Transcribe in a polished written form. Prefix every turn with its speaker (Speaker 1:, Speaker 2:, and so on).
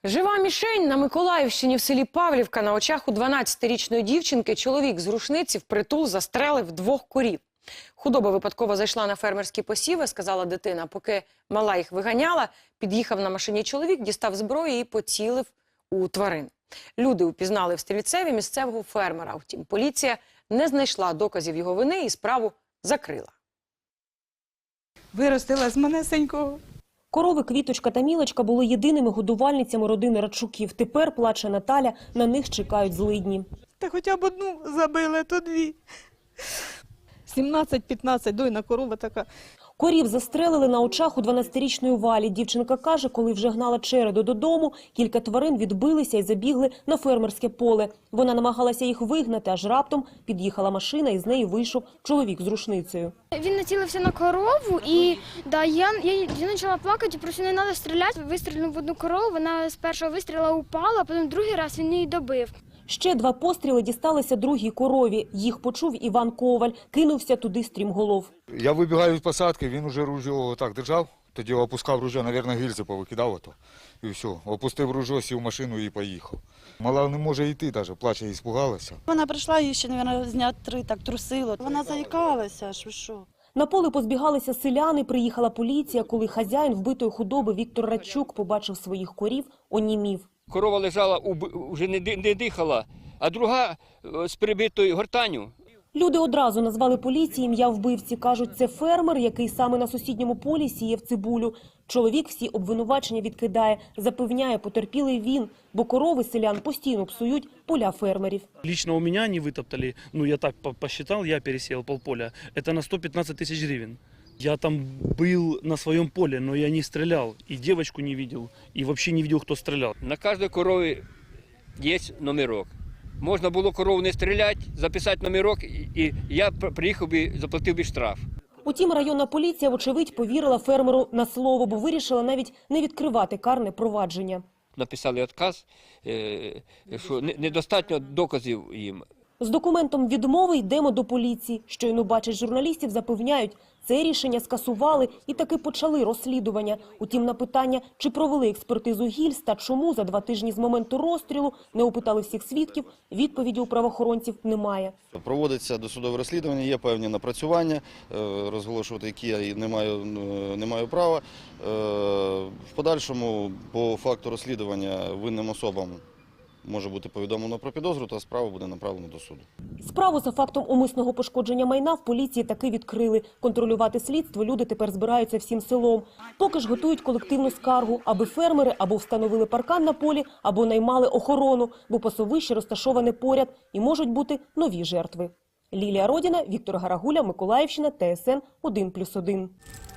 Speaker 1: Жива мішень на Миколаївщині в селі Павлівка. На очах у 12-річної дівчинки чоловік з рушниці впритул застрелив 2 корів. Худоба випадково зайшла на фермерські посіви, сказала дитина. Поки мала їх виганяла, під'їхав на машині чоловік, дістав зброю і поцілив у тварин. Люди упізнали в стрільцеві місцевого фермера. Втім, поліція не знайшла доказів його вини і справу закрила.
Speaker 2: Виростила з манесенького.
Speaker 3: Корови Квіточка та Мілочка були єдиними годувальницями родини Радчуків. Тепер, плаче Наталя, на них чекають злидні.
Speaker 2: Та хоча б одну забили, то 2. 17-15, дойна корова така.
Speaker 3: Корів застрелили на очах у 12-річної Валі. Дівчинка каже, коли вже гнала череду додому, кілька тварин відбилися і забігли на фермерське поле. Вона намагалася їх вигнати, аж раптом під'їхала машина і з неї вийшов чоловік з рушницею.
Speaker 4: Він націлився на корову і я почала плакати, просто не треба стріляти. Вистрілив в одну корову, вона з першого вистріла упала, а потім другий раз він її добив.
Speaker 3: Ще 2 постріли дісталися другій корові. Їх почув Іван Коваль, кинувся туди стрімголов.
Speaker 5: Я вибігаю від посадки, він уже ружьо так держав, тоді опускав ружьо, мабуть, гільзи повикидав ото. І все, опустив ружьо, сів в машину і поїхав. Мала не може йти навіть, плаче, і спугалася.
Speaker 6: Вона прийшла, її ще, мабуть, з дня 3 так трусило. Вона заїкалася, що.
Speaker 3: На поле позбігалися селяни, приїхала поліція. Коли хазяїн вбитої худоби Віктор Радчук побачив своїх корів, онімів.
Speaker 7: Корова лежала, вже не дихала, а друга з перебитою гортанню.
Speaker 3: Люди одразу назвали поліції ім'я вбивці. Кажуть, це фермер, який саме на сусідньому полі сіяв цибулю. Чоловік всі обвинувачення відкидає. Запевняє, потерпілий він, бо корови селян постійно псують поля фермерів.
Speaker 8: Лично у меня не вытоптали, я так посчитал, я пересеял полполя, это на 115 тысяч гривен. Я там был на своем поле, но я не стрелял, и девочку не видел, и вообще не видел, кто стрелял.
Speaker 7: На кожній корові є номерок. Можна було корову не стріляти, записати номерок, і я приїхав би, заплатив би штраф.
Speaker 3: Утім, районна поліція, вочевидь, повірила фермеру на слово, бо вирішила навіть не відкривати карне провадження.
Speaker 7: Написали відказ, що недостатньо доказів їм.
Speaker 3: З документом відмови йдемо до поліції. Щойно бачать журналістів, запевняють, це рішення скасували і таки почали розслідування. Утім, на питання, чи провели експертизу гільз та чому за 2 тижні з моменту розстрілу не опитали всіх свідків, відповіді у правоохоронців немає.
Speaker 9: Проводиться досудове розслідування, є певні напрацювання, розголошувати які я не маю права. В подальшому по факту розслідування винним особам може бути повідомлено про підозру, та справа буде направлена до суду.
Speaker 3: Справу за фактом умисного пошкодження майна в поліції таки відкрили. Контролювати слідство люди тепер збираються всім селом. Поки ж готують колективну скаргу, аби фермери або встановили паркан на полі, або наймали охорону, бо пасовище розташоване поряд і можуть бути нові жертви. Лілія Родіна, Віктор Гарагуля, Миколаївщина, ТСН 1+1.